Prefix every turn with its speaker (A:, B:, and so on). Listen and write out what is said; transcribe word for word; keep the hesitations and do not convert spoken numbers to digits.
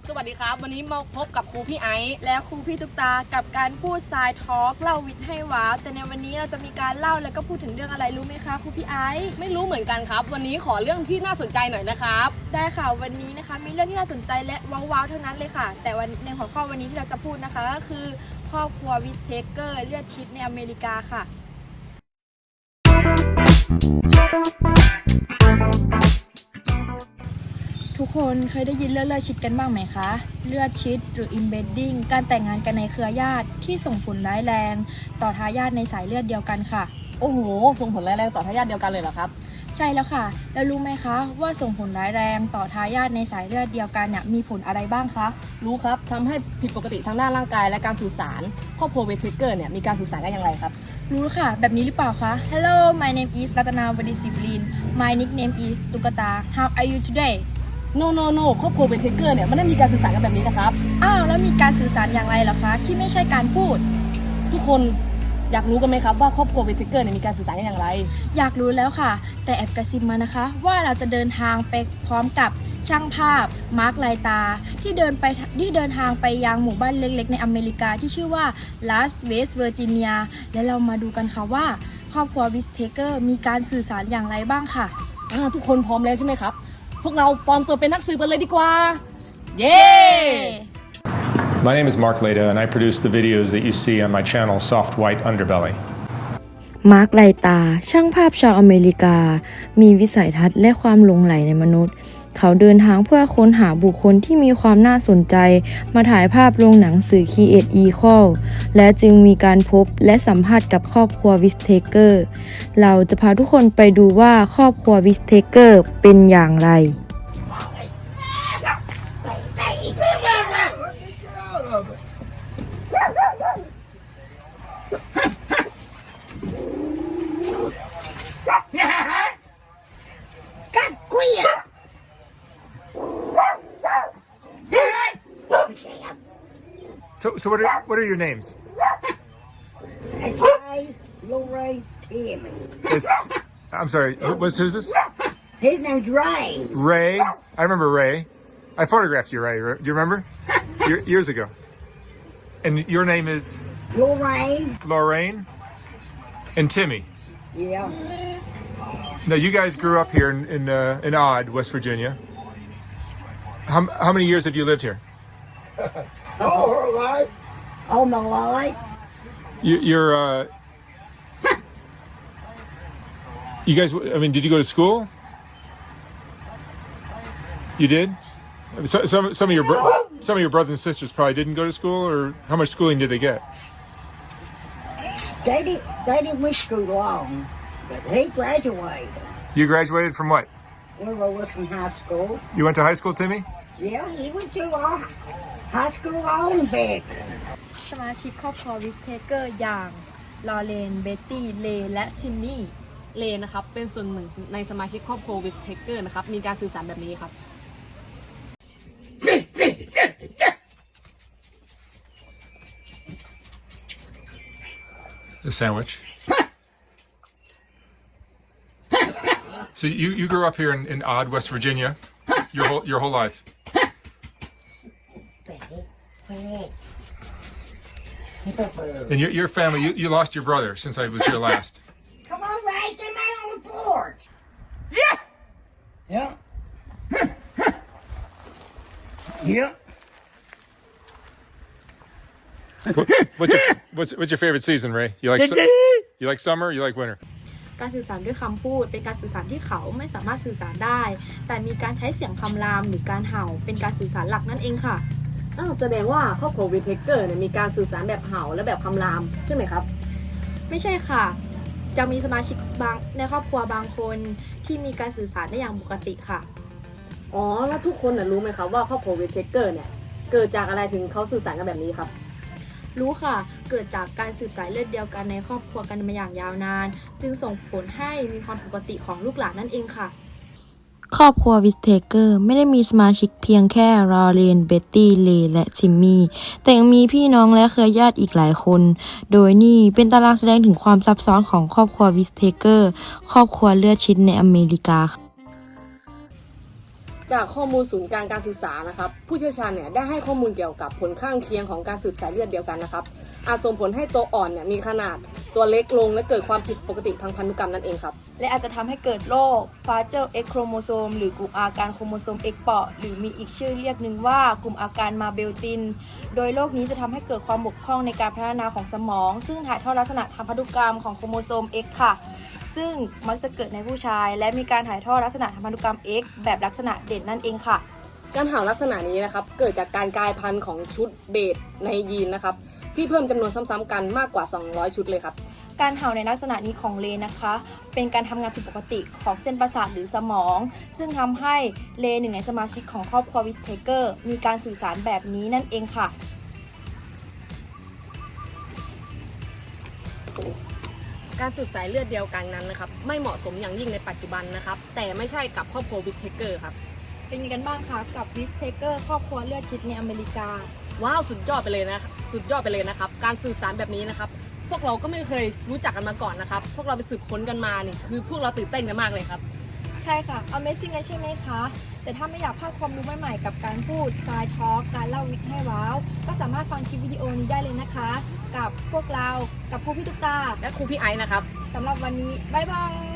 A: สวัสดีครับวันนี้มาพบกับครูพี่ไอซ์
B: และครูพี่ตุ๊กตากับการพูดสายทอล์กเล่าวิทย์ให้ว้าวแต่ในวันนี้เราจะมีการเล่าแล้วก็พูดถึงเรื่องอะไรรู้ไหมคะครูพี่ไอซ์
A: ไม่รู้เหมือนกันครับวันนี้ขอเรื่องที่น่าสนใจหน่อยนะครับ
B: ได้ค่ะวันนี้นะคะมีเรื่องที่น่าสนใจและว้าวๆทั้งนั้นเลยค่ะแต่วันในหัวข้อวันนี้ที่เราจะพูดนะคะก็คือครอบครัววิสเทเกอร์เลือดชิดในอเมริกาค่ะทุกคนเคยได้ยินเรื่องเลือดชิดกันบ้างไหมคะเลือดชิดหรือ embedding การแต่งงานกันในเครือญาติที่ส่งผลร้ายแรงต่อทายาทในสายเลือดเดียวกันค่ะ
A: โอ้โหส่งผลร้ายแรงต่อทายาทเดียวกันเลยเหรอครับ
B: ใช่แล้วค่ะแล้วรู้ไหมคะว่าส่งผลร้ายแรงต่อทายาทในสายเลือดเดียวกันเนี่ยมีผลอะไรบ้างคะ
A: รู้ครับทำให้ผิดปกติทางด้านร่างกายและการสื่อสารครอบครัววิสเทเกอร์เนี่ยมีการสื่อสารกันอย่างไรครับ
B: รู้ค่ะแบบนี้หรือเปล่าคะ Hello my name is รัตนาวดีศิวลิน My nickname is ตุ๊กตา How are you today
A: no no no ครอบครัววิสเทเกอร์เนี่ยไม่ได้มีการสื่อสารกันแบบนี้นะครับ
B: อ้าวแล้วมีการสื่อสารอย่างไรเหรอคะที่ไม่ใช่การพูด
A: ทุกคนอยากรู้กันไหมครับว่าครอบครัววิสเทเกอร์เนี่ยมีการสื่อสารกันอย่างไร
B: อยากรู้แล้วค่ะแต่แอบกระซิบมานะคะว่าเราจะเดินทางไปพร้อมกับช่างภาพมาร์คไลตาที่เดินไปที่เดินทางไปยังหมู่บ้านเล็กๆในอเมริกาที่ชื่อว่าลาสเวสเวอร์จิเนียและเรามาดูกันค่ะว่าครอบครัววิสเทเกอร์มีการสื่อสารอย่างไรบ้างค่ะ
A: อ่าทุกคนพร้อมแล้วใช่ไหมครับพวกเราปลอมตัวเป็นนักสืบกันเลยดีกว่าเย้
C: My name is Mark Leda and I produce the videos that you see on my channel Soft White Underbelly
D: มาร์คไลตาช่างภาพชาวอเมริกามีวิสัยทัศน์และความหลงใหลในมนุษย์เขาเดินทางเพื่อค้นหาบุคคลที่มีความน่าสนใจมาถ่ายภาพลงหนังสือ Create Equal และจึงมีการพบและสัมภาษณ์กับครอบครัววิสเทเกอร์เราจะพาทุกคนไปดูว่าครอบครัววิสเทเกอร์เป็นอย่างไร
C: So, so what are what are your names?
E: It's Ray, Lori, Timmy.
C: It's I'm sorry. What's who's this?
E: His name's Ray.
C: Ray. I remember Ray. I photographed you, Ray. Do you remember? Year, years ago. And your name is
E: Lorraine.
C: Lorraine and Timmy.
E: Yeah.
C: Now you guys grew up here in in, uh, in Odd, West Virginia. How how many years have you lived here?
E: All her life. All my life.
C: You, you're, uh, you guys, I mean, did you go to school? You did? So, some, some of your, bro- some of your brothers and sisters probably didn't go to school, or how much schooling did they get?
E: They didn't, they didn't wish school long, but he graduated.
C: You graduated from what?
E: Willow Wilson High School.
C: You went to high school, Timmy?
E: Yeah, he went to our high school on back.
B: สมาชิกครอบครัววิสเทเกอร์อย่างลอเรนเบตตี้เลและทิมมี่
A: เลนะครับเป็นส่วนหนึ่งในสมาชิกครอบครัววิสเทเกอร์นะครับมีการสื่อสารแบบนี้ครับ
C: A sandwich. So you, you grew up here in, in Odd, West Virginia, your whole your whole life. And your, your family, you, you lost your brother since I was here last.
E: Come on, Ray, get me on the porch. Yeah. Yeah. Yeah.
C: What, what's your what's what's your favorite season, Ray? You like su- you like summer? You like winter?
B: การสื่อสารด้วยคำพูดเป็นการสื่อสารที่เขาไม่สามารถสื่อสารได้ แต่มีการใช้เสียงคำรามหรือการเห่าเป็นการสื่อสารหลักนั่นเองค่ะ
A: อ้าวแสดงว่าครอบครัววิสเทเกอร์เนี่ยมีการสื่อสารแบบเห่าและแบบคำรามใช่ไหมครับ
B: ไม่ใช่ค่ะจะมีสมาชิกบางในครอบครัวบางคนที่มีการสื่อสารได้อย่างปกติค่ะ
A: อ๋อแล้วทุกคนน่ะรู้ไหมครับว่าครอบครัววิสเทเกอร์เนี่ยเกิดจากอะไรถึงเขาสื่อสารกันแบบนี้ครับ
B: รู้ค่ะเกิดจากการสืบสายเลือดเดียวกันในครอบครัวกันมาอย่างยาวนานจึงส่งผลให้มีความปกติของลูกหลานนั่นเองค่ะ
D: ครอบครัววิสเทเกอร์ไม่ได้มีสมาชิกเพียงแค่ลอเรนเบตตี้เลและทิมมี่แต่ยังมีพี่น้องและเครือญาติอีกหลายคนโดยนี่เป็นตารางแสดงถึงความซับซ้อนของครอบครัววิสเทเกอร์ครอบครัวเลือดชิดในอเมริกา
A: จากข้อมูลศูนย์กลางการศึกษานะครับผู้เชี่ยวชาญเนี่ยได้ให้ข้อมูลเกี่ยวกับผลข้างเคียงของการสืบสายเลือดเดียวกันนะครับอาจส่งผลให้ตัวอ่อนเนี่ยมีขนาดตัวเล็กลงและเกิดความผิดปกติทางพันธุกรรมนั่นเองครับ
B: และอาจจะทำให้เกิดโรค Fragile X chromosome หรือกลุ่มอาการโครโมโซม X เปราะหรือมีอีกชื่อเรียกหนึ่งว่ากลุ่มอาการมาเบลตินโดยโรคนี้จะทำให้เกิดความบกพร่องในการพัฒนาของสมองซึ่งถ่ายทอดลักษณะทางพันธุกรรมของโครโมโซม X ค่ะซึ่งมักจะเกิดในผู้ชายและมีการถ่ายทอดลักษณะทางพันธุกรรม X แบบลักษณะเด่นนั่นเองค่ะ
A: การห่าวลักษณะนี้นะครับเกิดจากการกลายพันธุ์ของชุดเบสในยีนนะครับที่เพิ่มจำนวนซ้ำๆกันมากกว่าสองร้อยชุดเลยครับ
B: การเห่าในลักษณะนี้ของเลนะคะเป็นการทำงานผิดปกติของเส้นประสาทหรือสมองซึ่งทำให้เลหนึ่งในสมาชิกของครอบครัววิสเทเกอร์มีการสื่อสารแบบนี้นั่นเองค่ะ
A: การสืบสายเลือดเดียวกันนั้นนะครับไม่เหมาะสมอย่างยิ่งในปัจจุบันนะครับแต่ไม่ใช่กับครอบครัววิสเทเกอร์ครับ
B: เป็นยังไงกันบ้างคะกับวิสเทเกอร์ครอบครัวเลือดชิดในอเมริกา
A: ว้าวสุดยอดไปเลยนะสุดยอดไปเลยนะครับการสื่อสารแบบนี้นะครับพวกเราก็ไม่เคยรู้จักกันมาก่อนนะครับพวกเราไปสืบค้นกันมานี่คือพวกเราตื่นเต้นกันมากเลยครับ
B: ใช่ค่ะ Amazing เลยใช่ไหมคะแต่ถ้าไม่อยากพลาดความรู้ใหม่ๆกับการพูด Side Talk การเล่าวิทย์ให้ว้าวก็สามารถฟังคลิปวิดีโอนี้ได้เลยนะคะกับพวกเรากับครูพี่ตุ๊กตา
A: และครูพี่ไอซ์นะครับ
B: สำหรับวันนี้บ๊ายบาย